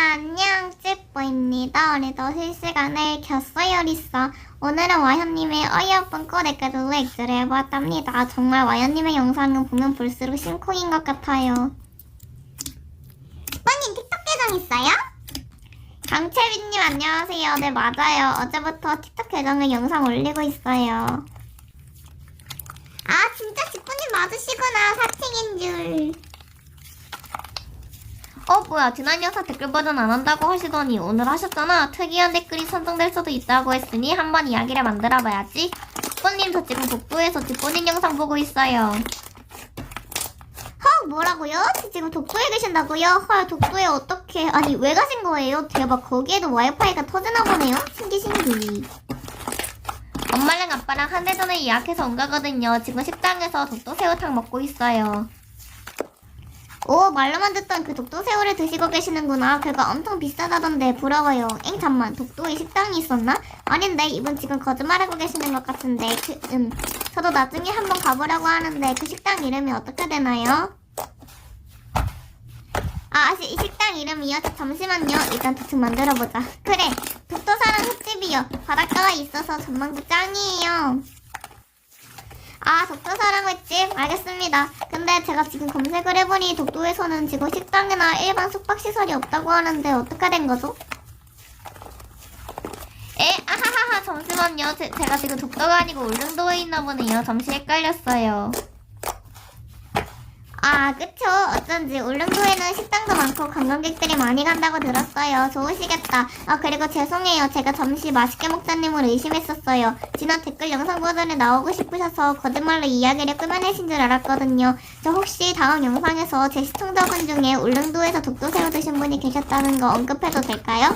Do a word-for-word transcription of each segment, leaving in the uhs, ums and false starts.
안녕, 찌뽀입니다. 오늘도 실시간을 켰어요, 리사. 오늘은 와현님의 어이없은 꼬레까지로 액자를 해보았답니다. 정말 와현님의 영상은 보면 볼수록 심쿵인 것 같아요. 찌뽀님 틱톡 계정 있어요? 강채빈님 안녕하세요. 네, 맞아요. 어제부터 틱톡 계정에 영상 올리고 있어요. 아, 진짜 찌뽀님 맞으시구나. 사칭인 줄. 어 뭐야, 지난 영상 댓글 버전 안 한다고 하시더니 오늘 하셨잖아. 특이한 댓글이 선정될 수도 있다고 했으니 한번 이야기를 만들어봐야지. 찌뽀님 저 지금 독도에서 찌뽀님 영상 보고 있어요. 헉, 뭐라고요? 저 지금 독도에 계신다고요? 헐, 독도에 어떻게, 아니 왜 가신 거예요? 대박, 거기에도 와이파이가 터지나 보네요? 신기 신기. 엄마랑 아빠랑 한 달 전에 예약해서 온 거거든요. 지금 식당에서 독도 새우탕 먹고 있어요. 오, 말로만 듣던 그 독도새우를 드시고 계시는구나. 그거 엄청 비싸다던데 부러워요. 엥, 잠만, 독도에 식당이 있었나? 아닌데, 이분 지금 거짓말하고 계시는 것 같은데. 그, 음, 저도 나중에 한번 가보려고 하는데 그 식당 이름이 어떻게 되나요? 아, 이 식당 이름이요? 잠시만요. 일단 대충 만들어보자. 그래, 독도사랑 횟집이요. 바닷가가 있어서 전망도 짱이에요. 아, 독도사랑 횟집? 알겠습니다. 근데 제가 지금 검색을 해보니 독도에서는 지금 식당이나 일반 숙박시설이 없다고 하는데 어떻게 된 거죠? 에? 아하하하, 잠시만요. 제, 제가 지금 독도가 아니고 울릉도에 있나 보네요. 잠시 헷갈렸어요. 아, 그쵸. 어쩐지 울릉도에는 식당도 많고 관광객들이 많이 간다고 들었어요. 좋으시겠다. 아, 그리고 죄송해요. 제가 잠시 맛있게 먹자님을 의심했었어요. 지난 댓글 영상 버전에 나오고 싶으셔서 거짓말로 이야기를 꾸며내신 줄 알았거든요. 저 혹시 다음 영상에서 제 시청자분 중에 울릉도에서 독도새우 드신 분이 계셨다는 거 언급해도 될까요?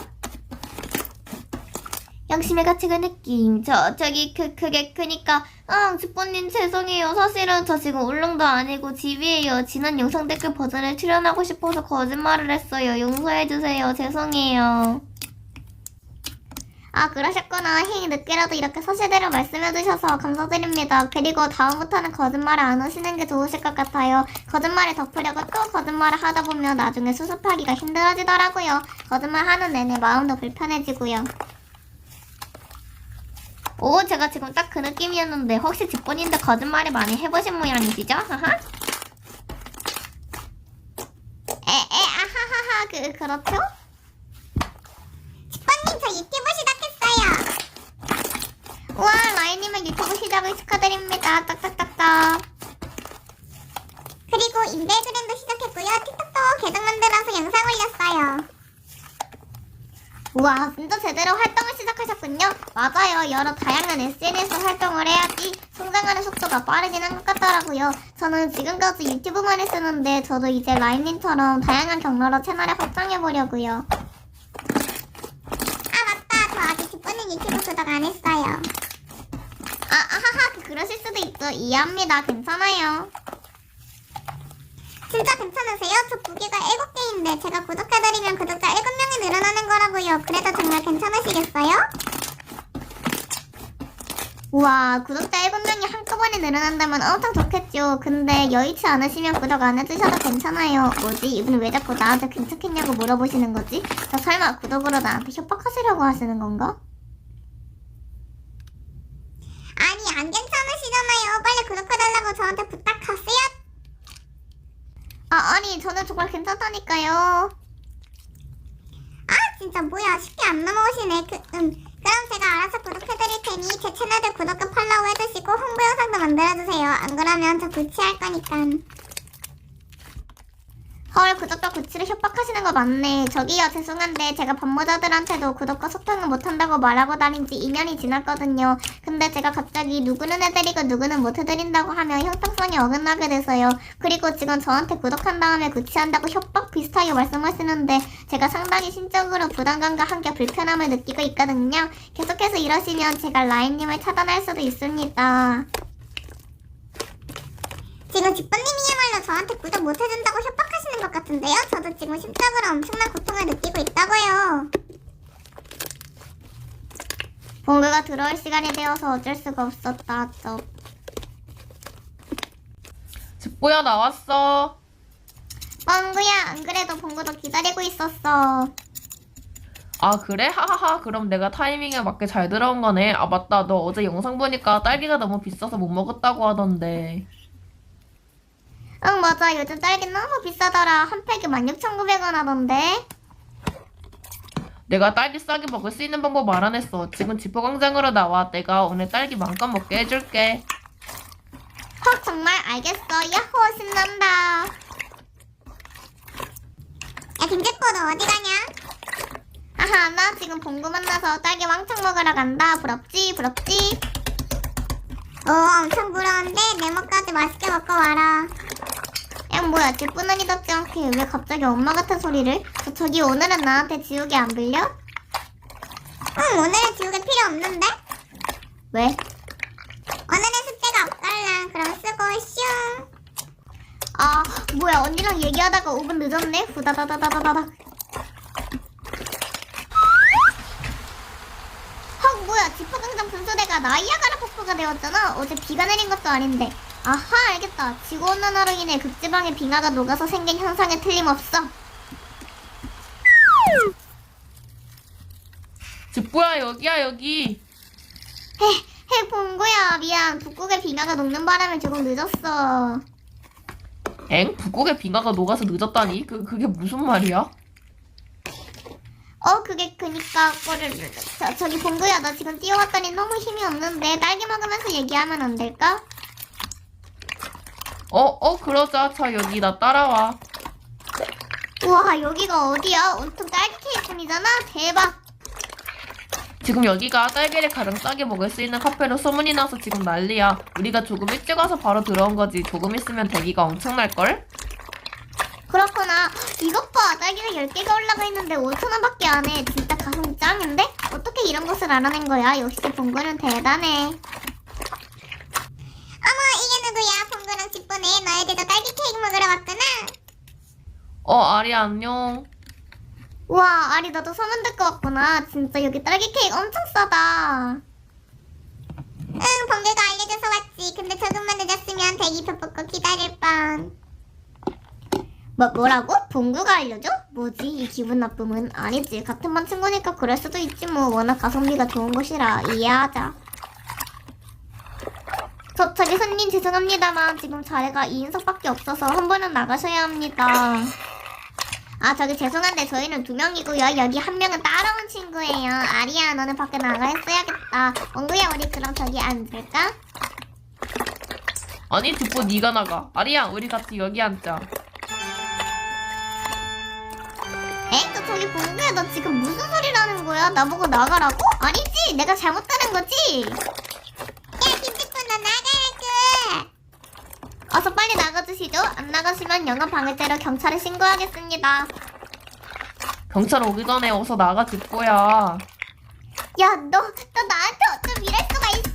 양심의 가치가 느낌. 저, 저기, 그, 그게 크니까, 아, 찌뽀님 죄송해요. 사실은 저 지금 울릉도 아니고 집이에요. 지난 영상 댓글 버전에 출연하고 싶어서 거짓말을 했어요. 용서해주세요. 죄송해요. 아, 그러셨구나. 힝, 늦게라도 이렇게 사실대로 말씀해주셔서 감사드립니다. 그리고 다음부터는 거짓말을 안 하시는 게 좋으실 것 같아요. 거짓말을 덮으려고 또 거짓말을 하다 보면 나중에 수습하기가 힘들어지더라고요. 거짓말 하는 내내 마음도 불편해지고요. 오, 제가 지금 딱 그 느낌이었는데 혹시 찌뽀님도 거짓말을 많이 해보신 모양이시죠? 하하. 에, 에, 아하하하, 그, 그렇죠? 찌뽀님, 저 유튜브 시작했어요. 우와, 라인님은 유튜브 시작을 축하드립니다. 딱딱딱딱. 그리고 인별그램도 시작했고요. 틱톡도 계정 만들어서 영상 올렸어요. 우와, 진짜 제대로 활동을 시작하셨군요. 맞아요. 여러 다양한 에스엔에스 활동을 해야지 성장하는 속도가 빠르긴 한 것 같더라고요. 저는 지금까지 유튜브만 했었는데 저도 이제 라임님처럼 다양한 경로로 채널을 확장해보려고요. 아, 맞다. 저 아직 찌뽀님 유튜브 구독 안 했어요. 아, 아하하, 그러실 수도 있죠. 이해합니다. 괜찮아요. 진짜 괜찮으세요? 저 부기가 일곱 개인데 제가 구독해드리면 구독자 일곱 명이 늘어나는 거라고요. 그래도 정말 괜찮으시겠어요? 우와, 구독자 일곱 명이 한꺼번에 늘어난다면 엄청 좋겠죠. 근데 여의치 않으시면 구독 안 해주셔도 괜찮아요. 뭐지? 이분 왜 자꾸 나한테 괜찮겠냐고 물어보시는 거지? 저 설마 구독으로 나한테 협박하시려고 하시는 건가? 아니, 안 괜찮으시잖아요. 빨리 구독해달라고 저한테 부탁하세요. 아, 아니, 저는 정말 괜찮다니까요. 아, 진짜 뭐야. 쉽게 안 넘어오시네. 그, 음. 그럼 제가 알아서 구독해드릴 테니 제 채널도 구독과 팔로우 해주시고 홍보 영상도 만들어주세요. 안 그러면 저 구치할 거니까. 헐, 구독과 구치를 협박하시는 거 맞네. 저기요, 죄송한데 제가 반모자들한테도 구독과 소통을 못한다고 말하고 다닌 지 이 년이 지났거든요. 근데 제가 갑자기 누구는 해드리고 누구는 못 해드린다고 하면 형평성이 어긋나게 돼서요. 그리고 지금 저한테 구독한 다음에 구치한다고 협박 비슷하게 말씀하시는데 제가 상당히 심적으로 부담감과 함께 불편함을 느끼고 있거든요. 계속해서 이러시면 제가 라인님을 차단할 수도 있습니다. 지금 찌뽀님이야말로 저한테 구독 못해준다고 협박하시는 것 같은데요? 저도 지금 심적으로 엄청난 고통을 느끼고 있다고요. 봉구가 들어올 시간이 되어서 어쩔 수가 없었다. 쩝. 집보야 나왔어. 뻥구야, 안 그래도 봉구도 기다리고 있었어. 아, 그래? 하하하. 그럼 내가 타이밍에 맞게 잘 들어온 거네. 아, 맞다. 너 어제 영상 보니까 딸기가 너무 비싸서 못 먹었다고 하던데. 응, 맞아. 요즘 딸기 너무 비싸더라. 한 팩에 만 육천구백 원 하던데. 내가 딸기 싸게 먹을 수 있는 방법 알아냈어. 지금 지포광장으로 나와. 내가 오늘 딸기 마음껏 먹게 해줄게. 헉, 정말 알겠어. 야호, 신난다. 야, 김재포, 너 어디 가냐? 아하, 나 지금 봉구 만나서 딸기 왕창 먹으러 간다. 부럽지, 부럽지? 어, 엄청 부러운데 내 먹까지 맛있게 먹고 와라. 야, 뭐야, 뒷분언니답지 않게 왜 갑자기 엄마 같은 소리를? 저, 저기 오늘은 나한테 지우개 안 빌려? 응, 오늘은 지우개 필요 없는데? 왜? 오늘은 숙제가 없달라. 그럼 쓰고 슝. 아, 뭐야, 언니랑 얘기하다가 오 분 늦었네. 후다다다다다닥. 헉, 뭐야, 지퍼광장 분수대가 나이아가라 폭포가 되었잖아. 어제 비가 내린 것도 아닌데. 아하, 알겠다. 지구온난화로 인해 극지방의 빙하가 녹아서 생긴 현상에 틀림없어. 지뽀야, 여기야, 여기. 헤, 헤, 봉구야. 미안. 북극의 빙하가 녹는 바람에 조금 늦었어. 엥? 북극의 빙하가 녹아서 늦었다니? 그, 그게 무슨 말이야? 어, 그게 그니까 거를 저, 저기 봉구야, 나 지금 뛰어왔더니 너무 힘이 없는데 딸기 먹으면서 얘기하면 안 될까? 어, 어, 그러자. 자, 여기 나 따라와. 우와, 여기가 어디야? 온통 딸기 케이크뿐이잖아. 대박. 지금 여기가 딸기를 가장 싸게 먹을 수 있는 카페로 소문이 나서 지금 난리야. 우리가 조금 일찍 와서 바로 들어온 거지. 조금 있으면 대기가 엄청날걸? 그렇구나. 이것 봐, 딸기가 열 개가 올라가 있는데 오천 원밖에 안 해. 진짜 가성비 짱인데? 어떻게 이런 것을 알아낸 거야? 역시 봉구는 대단해. 어머, 이게 누구야? 봉구랑 집보네. 너희들도 딸기 케이크 먹으러 왔구나. 어, 아리 안녕. 우와, 아리 너도 소문 듣고 왔구나. 진짜 여기 딸기 케이크 엄청 싸다. 응, 봉구가 알려줘서 왔지. 근데 조금만 늦었으면 대기표 뽑고 기다릴 뻔. 뭐, 뭐라고? 봉구가 알려줘? 뭐지? 이 기분 나쁨은? 아니지. 같은 반 친구니까 그럴 수도 있지 뭐. 워낙 가성비가 좋은 곳이라 이해하자. 저, 저기 손님 죄송합니다만 지금 자리가 이 인석밖에 없어서 한 번은 나가셔야 합니다. 아, 저기 죄송한데 저희는 두 명이고요. 여기 한 명은 따라온 친구예요. 아리야, 너는 밖에 나가 있어야겠다. 엉구야, 우리 그럼 저기 앉을까? 아니, 지뽀 네가 나가. 아리야, 우리 같이 여기 앉자. 에? 너 저기 봉구야, 너 지금 무슨 소리를 하는 거야? 나보고 나가라고? 아니지, 내가 잘못하는 거지. 야, 김치꾼 너 나가라고. 어서 빨리 나가주시죠. 안 나가시면 영업 방해죄로 경찰에 신고하겠습니다. 경찰 오기 전에 어서 나가, 지뽀야. 야, 너, 너 나한테 어쩜 이럴 수가 있어?